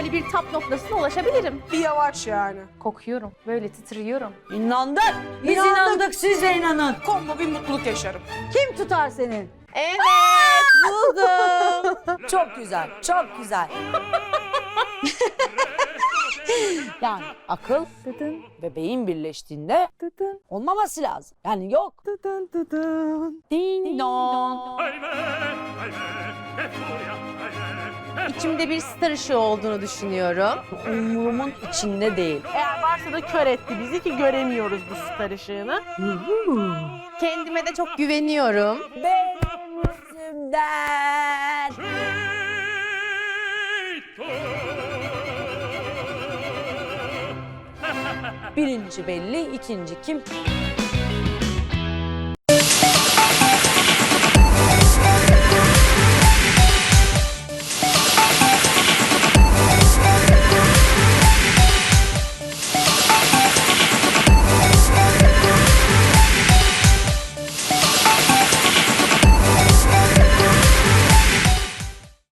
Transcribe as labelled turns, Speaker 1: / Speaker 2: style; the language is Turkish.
Speaker 1: böyle bir tap noktasına ulaşabilirim.
Speaker 2: Bir yavaş yani.
Speaker 1: Kokuyorum, böyle titriyorum.
Speaker 3: İnandık. Biz inandık, siz de inanın.
Speaker 2: Kombo bir mutluluk yaşarım.
Speaker 3: Kim tutar seni?
Speaker 1: Evet, buldum.
Speaker 3: Çok güzel, çok güzel. Yani akıl ve beyin birleştiğinde olmaması lazım. Yani yok. Ding dong.
Speaker 1: İçimde bir star ışığı olduğunu düşünüyorum.
Speaker 3: Umurumun içinde değil.
Speaker 4: Eğer varsa da kör etti bizi ki göremiyoruz bu star ışığını.
Speaker 1: Kendime de çok güveniyorum.
Speaker 3: Benim yüzümden. Birinci belli, ikinci kim?